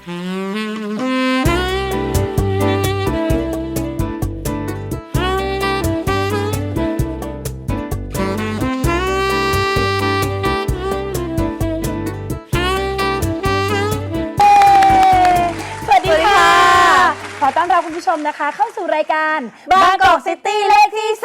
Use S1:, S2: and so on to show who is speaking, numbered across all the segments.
S1: ขอต้อนรับคุณผู้ชมนะคะเข้าสู่รายการ
S2: บางกอกซิตี้เลขที่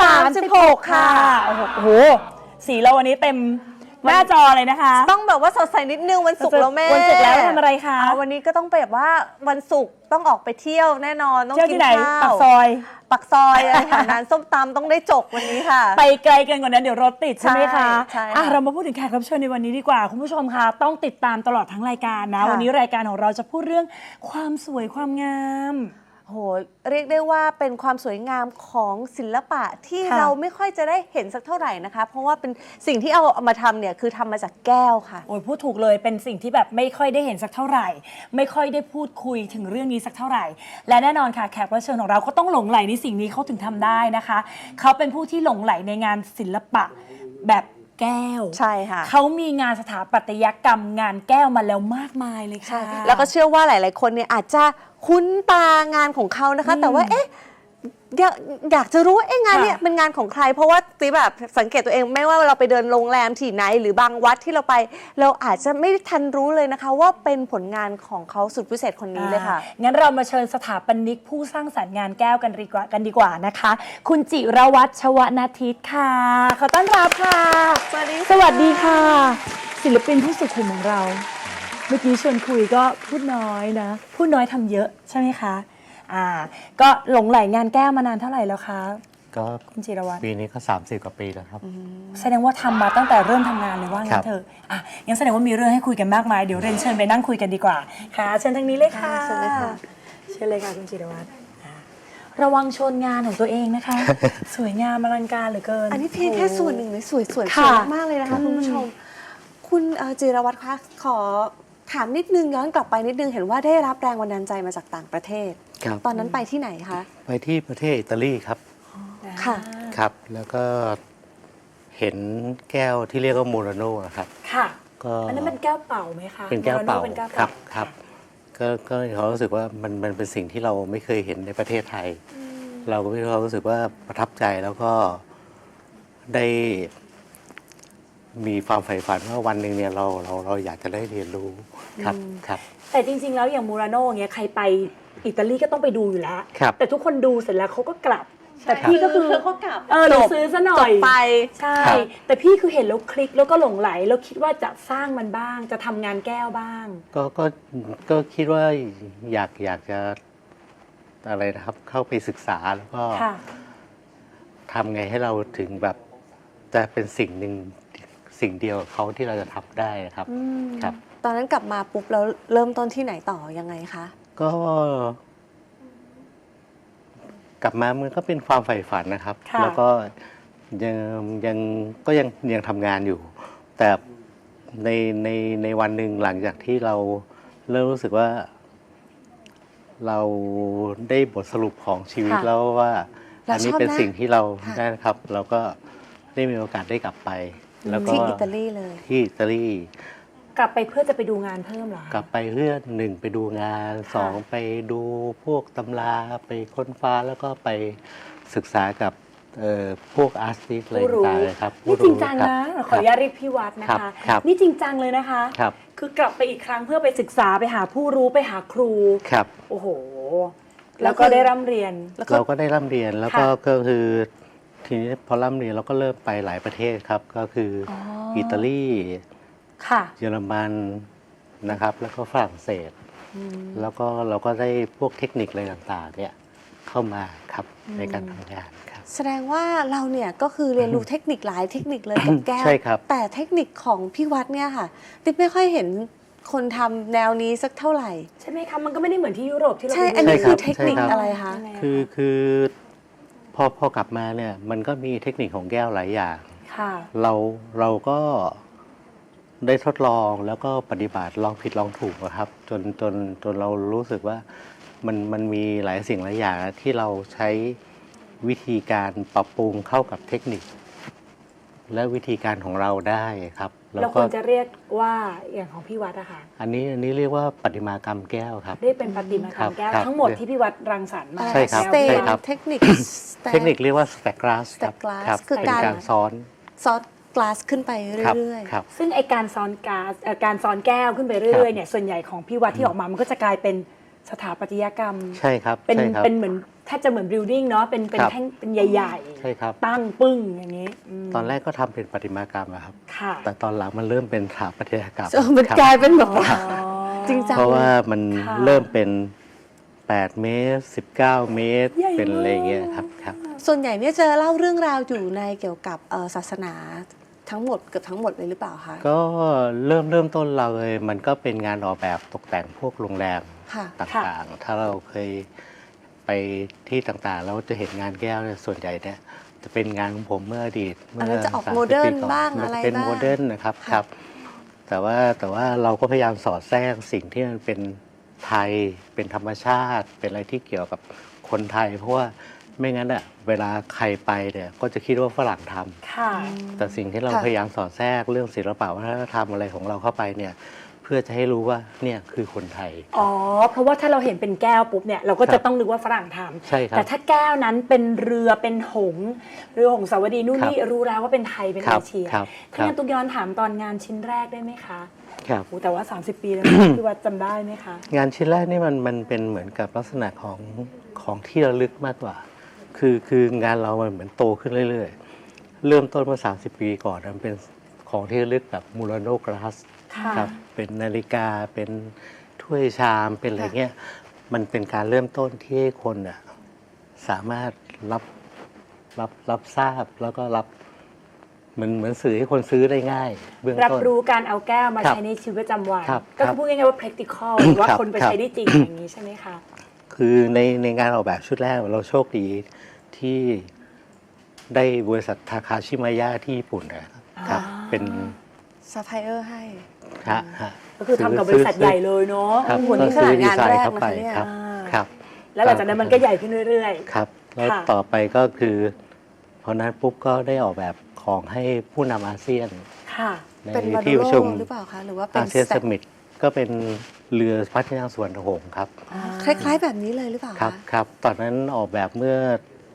S2: 36ค่ะ
S1: โอ้โหสีเราวันนี้เต็มหน้าจอเลยนะคะ
S2: ต้องแบบว่าสดใสนิดนึงวันศุกร์แล้วแม่
S1: วันศุกร์แล้วทำอะไรคะ
S2: วันนี้ก็ต้องแบบว่าวันศุกร์ต้องออกไปเที่ยวแน่นอนต้องกินข้าว
S1: ปักซอย
S2: อะไรค่ะร้านส้มตำต้องได้จกวันนี้ค่ะ
S1: ไปไกลกันกว่านั้นเดี๋ยวรถติดใช่ไหมคะ
S2: ใช่
S1: เรามาพูดถึงแขกรับเชิญในวันนี้ดีกว่าคุณผู้ชมคะต้องติดตามตลอดทั้งรายการนะวันนี้รายการของเราจะพูดเรื่องความสวยความงาม
S2: โหเรียกได้ว่าเป็นความสวยงามของศิลปะที่เราไม่ค่อยจะได้เห็นสักเท่าไหร่นะคะเพราะว่าเป็นสิ่งที่เอามาทำเนี่ยคือทำมาจากแก้วค่ะ
S1: โอ้ยพูดถูกเลยเป็นสิ่งที่แบบไม่ค่อยได้เห็นสักเท่าไหร่ไม่ค่อยได้พูดคุยถึงเรื่องนี้สักเท่าไหร่และแน่นอนค่ะแขกรับเชิญของเราก็ต้องหลงใหลในสิ่งนี้เขาถึงทำได้นะคะเขาเป็นผู้ที่หลงใหลในงานศิลปะแบบแก้ว
S2: ใช่ค่ะ
S1: เขามีงานสถาปัตยกรรมงานแก้วมาแล้วมากมายเลยค่ะ
S2: แล้วก็เชื่อว่าหลายๆคนเนี่ยอาจจะคุ้นตางานของเขานะคะแต่ว่าอยากจะรู้ว่างานเนี่ยเป็นงานของใครเพราะว่าตีแบบสังเกตตัวเองไม่ว่าเราไปเดินโรงแรมที่ไหนหรือบางวัดที่เราไปเราอาจจะไม่ทันรู้เลยนะคะว่าเป็นผลงานของเขาสุดพิเศษคนนี้เลยค่ะ
S1: งั้นเรามาเชิญสถาปนิกผู้สร้างสรรค์งานแก้วกันดีกว่านะคะคุณจิรวัฒน์ ชวนาทิตค่ะขอต้อนรับค่ะ
S2: สวัสดี
S1: ค่ะศิลปินผู้สุขุมของเราเมื่อกี้ชวนคุยก็พูดน้อยนะพูดน้อยทำเยอะใช่ไหมคะก็หลงใหลงานแก้วมานานเท่าไหร่แล้วคะ
S3: ก็
S1: คุณจิรวัฒน์
S3: ปีนี้ก็30 กว่าปีแล้วครับ
S1: แสดงว่าทำมาตั้งแต่เริ่มทำงานเลยว่างั้นเถอะงั้นแสดงว่ามีเรื่องให้คุยกันมากมายเดี๋ยวเรียนเชิญไปนั่งคุยกันดีกว่าค่ะเชิญทางนี้เลยค่ะ
S2: เชิญเลยค่ะ
S1: เชิญเลยค่ะคุณจิรวัฒน์ระวังชนงานของตัวเองนะคะ สวยงามอลังการเหลือเกิน
S2: อันนี้เพียงแค่ส่วนหนึ่งเลยสวยมากเลยนะคะคุณผู้ชมคุณจิรวัฒน์คะขอถามนิดนึงย้อนกลับไปนิดนึงเห็นว่าได้รับแรงบันดาลใจมาจากต่างประเทศตอนนั้นไปที่ไหนคะ
S3: ไปที่ประเทศอิตาลีครับ
S2: ค่ะ
S3: ครับแล้วก็เห็นแก้วที่เรียกว่าโมราโน่ครับ
S1: ค่ะก็อันนั้นเป็นแก้วเป่าไหมคะ
S3: เป็นแก้วเป่าครับก็เขารู้สึกว่ามันเป็นสิ่งที่เราไม่เคยเห็นในประเทศไทยเราก็มีความรู้สึกว่าประทับใจแล้วก็ได้มีความใฝ่ฝันว่าวันหนึ่งเนี่ยเราอยากจะได้เรียนรู้ครับ
S1: แต่จริงๆแล้วอย่างมูราโน่เงี้ยใครไปอิตาลีก็ต้องไปดูอยู่แล้วแต่ทุกคนดูเสร็จแล้วเขาก็กลับแต่พี่ก็คือ
S2: เขากลับ
S1: เราซื้อซะหน่อย
S2: ไป
S1: ใช่แต่พี่คือเห็นแล้วคลิกแล้วก็หลงไหลแล้วคิดว่าจะสร้างมันบ้างจะทำงานแก้วบ้าง
S3: ก็คิดว่าอยากจะอะไรนะครับเข้าไปศึกษาแล้วก็ทำไงให้เราถึงแบบจะเป็นสิ่งหนึ่งสิ่งเดียวกับเขาที่เราจะทำได้ครับ
S2: ตอนนั้นกลับมาปุ๊บแล้วเริ่มต้นที่ไหนต่อยังไงคะ
S3: ก็กลับมามันก็เป็นความใฝ่ฝันนะครับแล้วก็ยังทำงานอยู่แต่ในวันหนึ่งหลังจากที่เราเริ่มรู้สึกว่าเราได้บทสรุปของชีวิตแล้วว่าอันนี้เป็นสิ่งที่เราได้ครับเราก็ได้มีโอกาสได้กลับไปแล้วก็
S2: ที่อิตาลีเลย
S3: ที่อิตาลี
S1: กลับไปเพื่อจะไปดูงานเพิ่มเหรอก
S3: ลับไปเพื่อ1ไปดูงาน2ไปดูพวกตำราไปค้นฟ้าแล้วก็ไปศึกษากับพวกอาร์ติสต์อะไรต่างๆครับ
S1: นี่จริงจังนะขออนุญาตเรียกพี่วัดนะคะนี่จริงจังเลยนะคะคือกลับไปอีกครั้งเพื่อไปศึกษาไปหาผู้รู้ไปหาครู
S3: ครับ
S1: โอ้โหแล้วก็ได้ร่ำเรียน
S3: เราก็ได้ร่ำเรียนแล้วก็คือทีนี้พอร่ำเรียนเราก็เริ่มไปหลายประเทศครับก็คืออิตาลีเยอรมันนะครับแล้วก็ฝรั่งเศสแล้วก็เราก็ได้พวกเทคนิคอะไรต่างๆเนี่ยเข้ามาครับในการทำงานครับ
S2: แสดงว่าเราเนี่ยก็คือเรียนรู้เทคนิคหลายเทคนิคเลยกับแก้ว
S3: ใช่ครับ
S2: แต่เทคนิคของพี่วัดเนี่ยค่ะติ๊บไม่ค่อยเห็นคนทำแนวนี้สักเท่าไหร่
S1: ใช่ไหมคะมันก็ไม่ได้เหมือนที่ยุโรปที่เรา
S2: ใช่อันนี้คือเทคนิคอะไรคะ
S3: คือพอกลับมาเนี่ยมันก็มีเทคนิคของแก้วหลายอย่างเราก็ได้ทดลองแล้วก็ปฏิบัติลองผิดลองถูกครับจนเรารู้สึกว่ามันมีหลายสิ่งหลายอย่างที่เราใช้วิธีการปรับปรุงเข้ากับเทคนิคและวิธีการของเราได้ครับ
S1: เราควรจะเรียกว่าอย่างของพี่วัดอะค่ะ
S3: อันนี้เรียกว่าประติมากรรมแก้วครับ
S1: เรียกเป็นประติมากรรมแก้ว
S3: ครับ
S1: ทั้งหมดที่พี่วัดรังสรรค์มา
S3: ใช่ครับ
S2: สเต
S3: ใช่
S2: น
S3: ครับ
S2: เทคนิค
S3: เทคนิคเรียกว่า stack glass ครับ
S2: stack glass
S3: ครับ
S2: คือ
S3: เป็น
S2: การ
S3: การซ้อน
S2: ซอสกลาสขึ้นไป
S3: ครับ
S2: เรื่อย
S3: ครับ
S1: ซึ่งไอการซ้อนก๊าซการซ้อนแก้วขึ้นไปเรื่อยๆเนี่ยส่วนใหญ่ของพี่วัดที่ออกมามันก็จะกลายเป็นสถาปัตยกรรม
S3: ใช่ครับ
S1: เป็น
S3: ใช่ครับ
S1: เป็นเหมือนแทบจะเหมือน building เนาะเป็น
S3: ครับ
S1: แท่งเป็นใหญ่
S3: ใช่ครับ
S1: ตั้งปึ้งอย่างนี้ม
S3: ตอนแรกก็ทำเป็นประติมากรรมอะครับ
S1: ค่ะ
S3: แต่ตอนหลังมันเริ่มเป็นสถาปัตยกรรม
S2: ๆมัน
S3: ครับ
S2: กลายเป็นแบบว่า
S1: อ๋อ
S2: จริงจัง
S3: เพราะว่ามัน
S1: ค่ะ
S3: เริ่มเป็น 8 เมตร 19 เมตร
S1: ใหญ่
S3: เป็นอะไรอย่างเงี้ย
S1: มาก
S3: ครับครับ
S2: ส่วนใหญ่เนี่ยจะเล่าเรื่องราวอยู่ในเกี่ยวกับศาสนาทั้งหมดเกือบทั้งหมดเลยหรือเปล่าคะ
S3: ก็เริ่มต้นเราเลยมันก็เป็นงานออกแบบตกแต่งพวกโรงแรม
S2: ค่ะ
S3: ต่างๆ ถ้าเราเคยไปที่ต่างๆ แล้วจะเห็นงานแก้วเนี่ยส่วนใหญ่เนี่ยจะเป็นงานของผมเมื่ออดีต
S2: อันนั้นจะออก
S3: 30
S2: โมเดิร์น
S3: ปีก่อ
S2: บ้าง
S3: มัน
S2: อะไร
S3: เป็น
S2: บ้าง
S3: โมเดิร์นนะครับ
S2: ค่ะ
S3: ครับ แต่ว่าเราก็พยายามสอดแทรกสิ่งที่มันเป็นไทยเป็นธรรมชาติ เป็นอะไรที่เกี่ยวกับคนไทย เพราะว่าไม่งั้นอ่ะเวลาใครไปเนี่ยก็จะคิดว่าฝรั่งทำ
S1: ค่ะ
S3: แต่สิ่งที่เรา
S2: ค่ะ
S3: พยายามสอดแทรกเรื่องศิลปะวัฒนธรรมอะไรของเราเข้าไปเนี่ยเพื่อจะให้รู้ว่าเนี่ยคือคนไทย
S1: อ๋อ เพราะว่าถ้าเราเห็นเป็นแก้วปุ๊บเนี่ยเราก็
S3: ครั
S1: จะ
S3: บ
S1: ต้องนึกว่าฝรั่งทำ
S3: ใช่ครับ
S1: แต่ถ้าแก้วนั้นเป็นเรือเป็นหงส์เรือหงสาวดีนู่น
S3: ครับ
S1: นี่รู้แล้วว่าเป็นไทยเป็น
S3: ครั
S1: เอบ เชีย
S3: ครับ
S1: ถ้างั้นตุ๊กย้อนถามตอนงานชิ้นแรกได้ไหมคะ
S3: ครับ
S1: โอ้แต่ว่า 30 ปีแล้วนะพี่วัดจำได้ไหมคะ
S3: งานชิ้นแรกนี่มันเป็นเหมือนกับลักษณะของที่ระลึกมากกว่า คืองานเรามันเหมือนโตขึ้นเรื่อยๆ เริ่มต้นเมื่อ30 ปีก่อนมันเป็นของที่ระลึกแบบมูราโนกราส
S1: ค่ะ
S3: ครับเป็นนาฬิกาเป็นถ้วยชามเป็นอะไรเงี้ยมันเป็นการเริ่มต้นที่ให้คนน่ะสามารถรับทราบแล้วก็รับเหมือนสื่อให้คนซื้อได้ง่าย เบื้อง
S1: รับ
S3: ต้น
S1: รู้การเอาแก้วมา
S3: ครับ
S1: ใช้ในชีวิตประจำวัน
S3: ครับ
S1: ก็คือพูดง่ายๆว่า practical หรือว่า
S3: ครับ
S1: คนไป
S3: ครับ
S1: ใช้ได้จริงอย่างนี้ใช่ไหมคะ
S3: คือในงานออกแบบชุดแรกเราโชคดีที่ได้บริษัททาคาชิมายะที่ญี่ปุ่นนะครับ
S1: อ่า
S3: เป็น
S2: ซัพพลายเออร์ให้
S3: ฮะ
S1: ก็คือทำกับบริษัทใหญ่เลยเนาะ
S3: ครับ
S2: โอ้โหนี่
S3: ก็ซื้อ
S2: ขนาด
S3: ดี
S2: งาน
S3: ไซ
S2: แร
S3: น์
S2: ก
S3: เข้าไป
S2: นะคะเนี่ย
S3: ครับ
S1: อ่า
S3: ครับ
S1: แล้วหลังจากนั้นมันก็ใหญ่ขึ้นเรื่อย
S3: ครับ แล้ว
S1: ค่ะ
S3: ต่อไปก็คือพอนั้นปุ๊บก็ได้ออกแบบของให้ผู้นำอาเซียน
S1: ๆ ค่ะ
S3: ใน
S2: เป็นวา
S3: ที่
S2: โด
S3: ประ
S2: โล
S3: ชุม
S2: หรือเปล่าคะหรือว่าเป็น
S3: อาเซียน
S2: แซ
S3: สมิตก็เป็นเรือพระที่นั่งสวนหงส์ครับ
S2: คล้ายๆแบบนี้เลยหรือเปล่า
S3: ครับ
S2: คะ
S3: ครับตอนนั้นออกแบบเมื่อ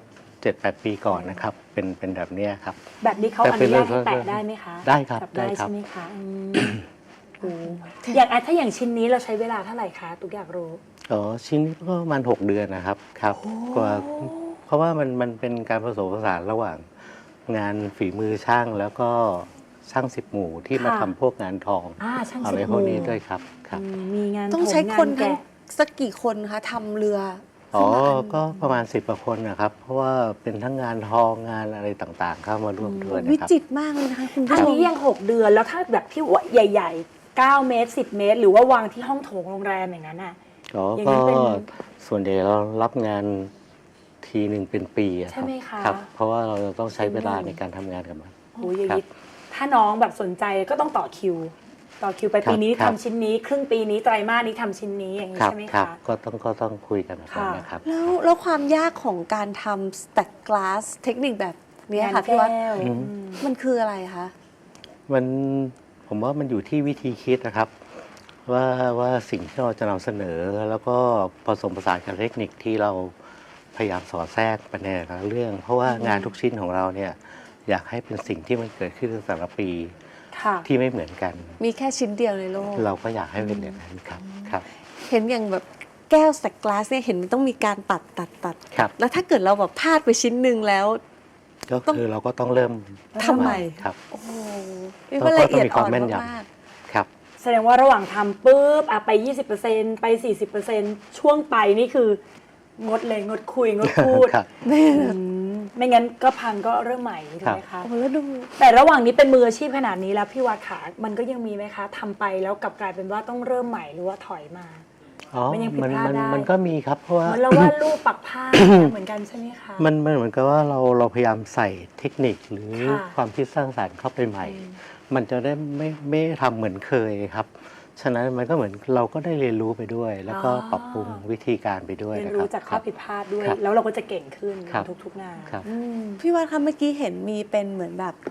S3: 7-8 ปีก่อนนะครับเป็นแบบเนี้ยครับ
S1: แบบนี้เขา
S3: แต่
S1: อ
S3: เป็
S1: นุ
S3: น
S1: ญาตให้
S3: เรื่อง
S1: แตะได้ไหมคะ
S3: ได้ครับ
S1: จับ
S3: ได้
S1: ได้
S3: ครับ
S1: ใช่ไหมคะโอ้อย่างถ้าอย่างชิ้นนี้เราใช้เวลาเท่าไหร่คะตุ๊กอยากรู้
S3: อ๋อชิ้นนี้ก็ประมาณ6 เดือนนะครับครับกว่าเพราะว่ามันเป็นการผสมผสานระหว่างงานฝีมือช่างแล้วก็ช่างสิบหมู่ที่มา
S1: ค่ะ
S3: ทำพวกงานทอง
S1: ช่าง
S3: อะ
S1: สิ
S3: ไร
S1: บ
S3: พวก
S1: ห
S3: นี้
S1: มู่
S3: ด้วยครับครับ
S1: มีงาน
S2: ต้องใช้
S1: ถม
S2: คน
S1: งา
S2: ทั้ง
S1: แกะ
S2: สักกี่คนคะทำเรือ
S3: อ๋อ
S2: ขึ้นมา
S3: ก็ประมาณ10 กว่าคนนะครับ เพราะว่าเป็นทั้งงานทองงานอะไรต่างๆ เข้ามาร่วมด้วย
S2: วิ
S3: นะครับ
S2: จิตรมากเลยนะคะคุณผู้
S1: อัน
S2: ชม
S1: นี้ยัง 6 เดือนแล้วถ้าแบบที่ใหญ่ๆ 9 เมตร 10 เมตร หรือว่าวางที่ห้องโถงโรงแรมอย่างนั้นน่ะ
S3: อ๋อ
S1: อย่าง
S3: ก็
S1: นั้นเป็น
S3: ส่วนใหญ่เรารับงานทีหนึ่งเป็นปีอะ
S1: ใช่ไหมคะ
S3: ครับ เพราะว่าเราจะต้องใช้เวลา
S1: เป็นหนึ่
S3: ใน
S1: ง
S3: การทำงานกับมัน
S1: โอ้ยอย่าง
S3: ครับ
S1: นี้ถ้าน้องแบบสนใจก็ต้องต่อคิว ต่อคิวไป
S3: ครับ
S1: ปีนี้
S3: ครั
S1: ทำ
S3: บ
S1: ชิ้นนี้ ครึ่งปีนี้ไตรมาสนี้ทำชิ้นนี้อย่างนี้
S3: ครับ
S1: ใช่ไหม
S3: ครับ
S1: คะ
S3: ก็ต้องคุยกันแบบนั้น
S1: ค่ะ
S3: นะครับ
S2: แล้วความยากของการทำ stack glass เทคนิคแบบเนี้ยค่ะพี่วัด
S1: งานแก้ว
S3: อืม
S2: มันคืออะไรคะ
S3: ผมว่ามันอยู่ที่วิธีคิดนะครับ ว่าสิ่งที่เราจะนำเสนอแล้วก็ผสมผสานกับเทคนิคที่เราพยายามสอดแทรกไปในแต่ละเรื่อง เพราะว่างานทุกชิ้นของเราเนี่ยอยากให้เป็นสิ่งที่มันเกิดขึ้นในแต่ละปี
S1: ค่ะ
S3: ที่ไม่เหมือนกัน
S2: มีแค่ชิ้นเดียวในโลก
S3: เราก็อยากให้เป็นอย่างนั้นครับครับ
S2: เห็นอย่างแบบแก้ว stack glass เนี่ยเห็นมันต้องมีการตัด
S3: ครับ
S2: แล้วถ้าเกิดเราแบบพลาดไปชิ้นหนึ่งแล้ว
S3: ก็คือเราก็ต้องเริ่ม
S2: ทำไม
S3: ครับ
S2: โอ้โหนี่มันละเอียดอ่อน
S3: ต้องมีความแม่นยำ
S2: มาก
S3: ครับ
S1: แสดงว่าระหว่างทำปุ๊บไป 20%ไป 40%ช่วงไปนี่คืองดเลยงดคุยงดพูด
S3: ครับ
S2: ๆแม่
S1: ไม่งั้นก็พังก็เริ่มใหม่ถูกไหมคะ
S2: โอ้แล้วดู
S1: แต่ระหว่างนี้เป็นมืออาชีพขนาดนี้แล้วพี่วัดขามันก็ยังมีไหมคะทำไปแล้วกลับกลายเป็นว่าต้องเริ่มใหม่หรือว่าถอยมา
S3: อ๋อ
S1: มันยังผิดพลาดได้
S3: มันก็มีครับ เพราะว่า
S1: เหมือนเราว่ารูปปักผ้า เหมือนกันใช่ไหมคะ
S3: มันเหมือนกับว่าเราพยายามใส่เทคนิคหรือ
S1: ค่ะ
S3: ความคิดสร้างสรรค์เข้าไปใหม่ มันจะได้ไม่ทำเหมือนเคยครับ ฉะนั้นมันก็เหมือนเราก็ได้เรียนรู้ไปด้วย แล้วก็ปรับปรุงวิธีการไปด้วย
S1: เรียน
S3: นะค
S1: รู้
S3: รับ
S1: จากข้อผิดพลาดด้วย
S3: ครับ
S1: แล้วเราก็จะเก่งขึ้น
S3: ครับ
S1: ทุกๆงาน
S3: ครับ
S1: อืม
S2: พี่วัดคะเมื่อกี้เห็นมีเป็นเหมือนแบบ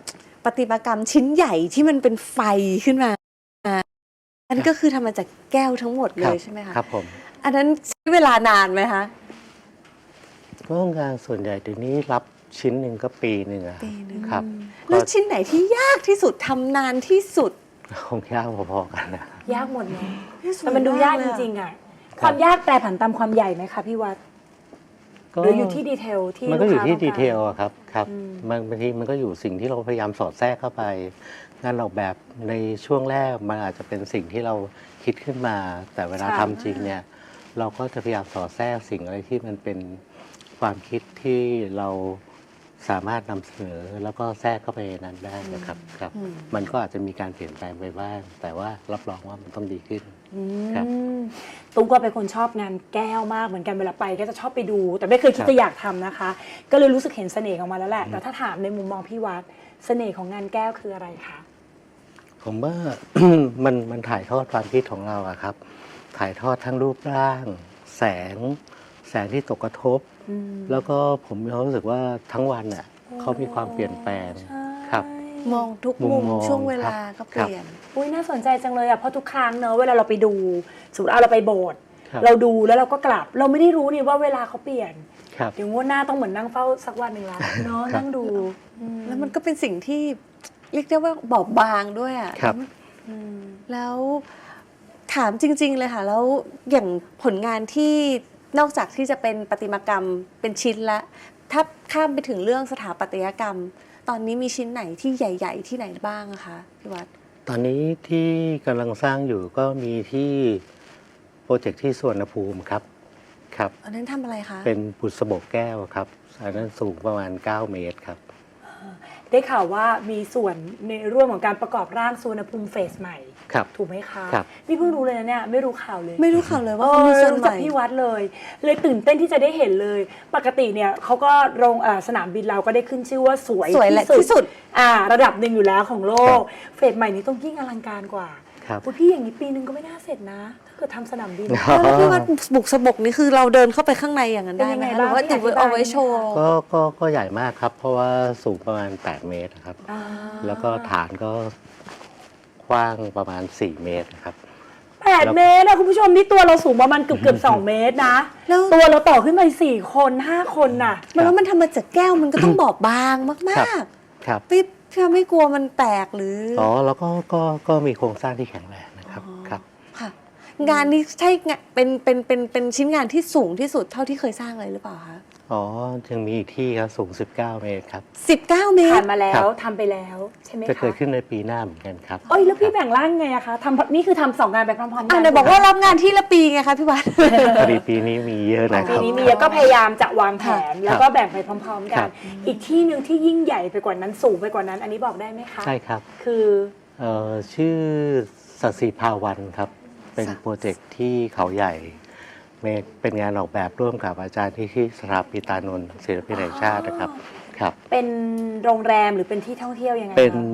S2: ประติมากรรมชิ้นใหญ่ที่มันเป็นไฟขึ้นมาอันก็คือทำมาจากแก้วทั้งหมดเลยใช่ไหมคะ
S3: ครับผม
S2: อันนั้นใช้เวลานานไหมคะ
S3: ก็งานส่วนใหญ่เดี๋ยวนี้รับชิ้นหนึ่งก็ปีหนึ่งอะ
S2: ปีหนึ่ง
S3: ครับ
S2: แล้วชิ้นไหนที่ยากที่สุดทำนานที่สุด
S3: คงยากพอๆกันนะ
S1: ยากหมดเนาะแต่มันดูยากจริงๆอ่ะความยากแปรผันตามความใหญ่ไหมคะพี่วัดหรืออยู่ที่ดีเทลที่
S3: มันก็อยู่ที่
S1: ลู
S3: ดี
S1: ค้า
S3: เทลอะครับครับ
S1: อืม
S3: บางทีมันก็อยู่สิ่งที่เราพยายามสอดแทรกเข้าไป งานออกแบบในช่วงแรกมันอาจจะเป็นสิ่งที่เราคิดขึ้นมา แต่เวลาทำจริงเนี่ยเราก็จะพยายามสอดแทรกสิ่งอะไรที่มันเป็นความคิดที่เราสามารถนำเสนอแล้วก็แทรกเข้าไปในนั้นได้นะครับครับ มันก็อาจจะมีการเปลี่ยนแปลงไปบ้าง แต่ว่ารับรองว่ามันต้องดีขึ้น ครับ
S1: ตุ้มก็เป็นคนชอบงานแก้วมากเหมือนกันเวลาไปก็จะชอบไปดู แต่ไม่เคยคิดจะอยากทำนะคะ ก็เลยรู้สึกเห็นเสน่ห์ของมันแล้วแหละ แต่ถ้าถามในมุมมองพี่วัดเสน่ห์ของงานแก้วคืออะไรคะ
S3: ผมว่า มันถ่ายทอดความคิดของเราอะครับ ถ่ายทอดทั้งรูปร่าง แสงที่ตกกระทบ แล้วก็ผมมีความรู้สึกว่าทั้งวันน่ะเขามีความเปลี่ยนแปลงครับ
S2: มองทุก
S3: มุ
S2: มุ
S3: ม
S2: ม
S3: มอง
S2: ช่วงเวลา
S3: ครั
S2: ก็
S3: บ
S2: เปลี่ยน
S1: อุ้ยน่าสนใจจังเลยอ่ะเพราะทุกครั้งเนอะเวลาเราไปดูสมมติเราไปโบสถ์
S3: ครับ
S1: เราดูแล้วเราก็กลับ เราไม่ได้รู้นี่ว่าเวลาเขาเปลี่ยน
S3: ครับ
S1: เดี๋ยวงวดหน้าต้องเหมือนนั่งเฝ้าสักวันหนึ่งละเนาะ
S3: ครับ
S1: นั่งดู
S2: แล้วมันก็เป็นสิ่งที่เรียกได้ว่าบอบบางด้วยอ่ะ
S3: ครับ
S2: แล้วถามจริง ๆ เลยค่ะ แล้วอย่างผลงานที่นอกจากที่จะเป็นประติมากรรมเป็นชิ้นละถ้าข้ามไปถึงเรื่องสถาปัตยกรรม ตอนนี้มีชิ้นไหนที่ใหญ่ ๆ ที่ไหนบ้างอะคะพี่วัด
S3: ตอนนี้ที่กำลังสร้างอยู่ก็มีที่โปรเจกต์ที่สวนภูมิครับครับ
S2: อันนั้นทำอะไรคะ
S3: เป็นบุษบกแก้วครับอันนั้นสูงประมาณ 9 เมตรครับ
S1: ได้ข่าวว่ามีส่วนในร่วมของการประกอบร่างสุวรรณภูมิเฟสใหม่
S3: ครับ
S1: ถูกไหมคะ
S3: ครับ
S1: นี่เพิ่งรู้เลยนะเนี่ยไม่รู้ข่าวเลย
S2: ไม่รู้ข่าวเลยว่าเขามีส่วน
S1: รู้
S2: ให
S1: จาก
S2: ม่
S1: พี่วัดเลย เลยตื่นเต้นที่จะได้เห็นเลย ปกติเนี่ยเขาก็โรงสนามบินเราก็ได้ขึ้นชื่อว่าสวย
S2: สวยและที่สุด
S1: ระดับหนึ่งอยู่แล้วของโลก เฟสใหม่นี้ต้องยิ่งอลังการกว่า
S3: ครับ
S1: อุ๊ยพี่อย่างนี้ปีนึงก็ไม่น่าเสร็จนะ ถ้าเกิดทำสนามบิน
S2: แล้วพี่วัดบุกสะบกนี่คือเราเดินเข้าไปข้างในอย่างนั้นได้ไหม
S1: เป็นยังไง
S2: คะหรือว่า
S1: บ้าง
S2: ติดไว้เอาไว้โชว์
S3: ก็ใหญ่มากครับ เพราะว่าสูงประมาณ 8 เมตรครับ
S1: อ่า
S3: แล้วก็ฐานก็กว้างประมาณ 4 เมตรครับ
S1: 8 เมตรนะคุณผู้ชมนี่ตัวเราสูงประมาณเกือบ2 เมตรนะ
S2: แล้ว
S1: ตัวเราต่อขึ้นไป4 คน 5 คนน่ะ
S2: มันแล้วมันทำมาจากแก้วมันก็ต้องบอบบางมาก
S3: ครับ
S2: ๆพี่ไม่กลัวมันแตกหรือ
S3: อ๋อแล้วก็มีโครงสร้างที่แข็งแรงนะครับครับ
S2: ค่ะ งานนี้ใช่งานเป็นชิ้นงานที่สูงที่สุดเท่าที่เคยสร้างเลยหรือเปล่าคะ
S3: อ๋อยังมีอีกที่ครับสูง 19 เมตรครับ
S2: 19 เม
S1: ผ่า
S2: ต
S1: น
S2: ร
S1: มาแล้
S3: ครั
S1: ว
S3: บ
S1: ทำไปแล้วใช่ไหม
S3: จะ
S1: คะ
S3: เกิดขึ้นในปีหน้าเหมือนกันครับ
S1: เอ้ยแล้วพี่แบ่งร่างไงอะคะนี่คือทำ2 งานไปพร้อมๆกั
S2: อ่ะเดี๋ยวบอกว่ารับงานที่ละปีไงคะพี่วัด
S3: พอดีปีนี้มีเยอะนะค
S1: ปี
S3: รับ
S1: นี้มีแล้วก็พยายามจะวางแผน
S3: ครับ
S1: แล้วก็แบ่งไปพร้อมๆ กั
S3: ครั
S1: น
S3: บ
S1: อีกที่หนึ่งที่ยิ่งใหญ่ไปกว่านั้นสูงไปกว่านั้น อันนี้บอกได้ไหมคะ
S3: ใช่ครับ
S1: คือ
S3: ชื่อสัสิภาวันครับ เป็นโปรเจกต์ที่เขาใหญ่เป็นงานออกแบบร่วมกับอาจารย์ที่สถาปิตานนท์ศิลปินแห่งชาตินะครับครับ
S1: เป็นโรงแรมหรือเป็นที่ท่องเที่ยวยังไง
S3: เป็น
S1: คะ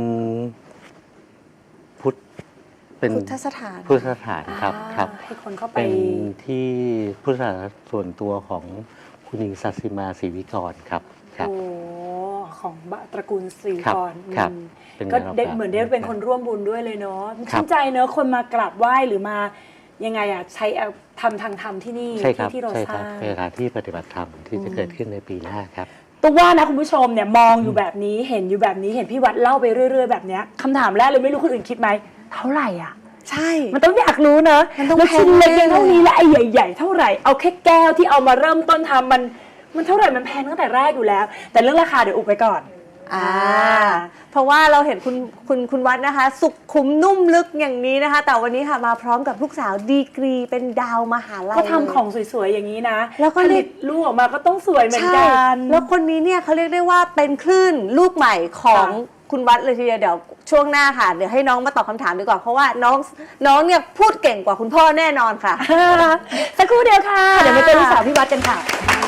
S3: เป็น
S2: พุทธสถาน
S3: พุทธสถานครับ
S1: อ่า
S3: ครับ
S1: ให้คนเข้าไป
S3: เป็นที่พุทธสถานส่วนตัวของคุณหญิงสัสิมาศรีวิกรครับครับ
S1: โอ้ของตระกูลศรี
S3: ครับ
S1: กร
S3: ครับ
S1: อืม
S3: เป็น
S1: ก็
S3: งานออก
S1: ได้
S3: แบบ
S1: เหมือนได้เป็นคนร่วมบุญด้วยเลยเนาะ
S3: ครับ
S1: ชื่นใจเนอะคนมากราบไหว้หรือมายังไงอะใช้ทำทางธรรมที่นี่
S3: ใช่ครับ
S1: ที่เรา
S3: ใช่
S1: ส
S3: ครั
S1: ร้า
S3: บ
S1: ง
S3: เป็นสถานที่ปฏิบัติธรรมที่จะเกิดขึ้นในปีหน้าครับ
S1: ตุ๊กว่านะคุณผู้ชมเนี่ยมองอยู่แบบนี้เห็นอยู่แบบนี้เห็นพี่วัดเล่าไปเรื่อยๆแบบเนี้ยคำถามแรกเลยไม่รู้คนอื่นคิดไหมเท่าไหร่อ่ะ
S2: ใช่
S1: มันต้องอยากรู้เนอะ
S2: มันต้อง
S1: แล้วชิ้นเล็ก
S2: แพงแน่
S1: ยังเท่านี้และไอ้ใหญ่ ๆ เท่าไหร่เอาแค่แก้วที่เอามาเริ่มต้นทำมันเท่าไหร่มันแพงตั้งแต่แรกอยู่แล้ว แต่เรื่องราคาเดี๋ยวอุบไปก่อน
S2: เพราะว่าเราเห็นคุณวัดนะคะ สุขุมนุ่มลึกอย่างนี้นะคะ แต่วันนี้ค่ะมาพร้อมกับลูกสาวดีกรีเป็นดาวมหาลัย
S1: ก็ทำของสวยๆอย่างนี้นะ
S2: แล้วก็
S1: ผ
S2: เรี
S1: ลิ
S2: ยก
S1: ตลูกออกมาก็ต้องสวยเหมือน
S2: ใช่
S1: กัน
S2: แล้วคนนี้เนี่ยเขาเรียกได้ว่าเป็นคลื่นลูกใหม่ของ
S1: ค่ะ
S2: คุณวัดเลยทีเดียวเดี๋ยวช่วงหน้าค่ะเดี๋ยวให้น้องมาตอบคำถามดีกว่าเพราะว่าน้องเนี่ยพูดเก่งกว่าคุณพ่อแน่นอนค่ะ
S1: สักครู่เดียวค่ะ เดี๋ยวมาเจอลูกสาวพี่วัดกันค่ะ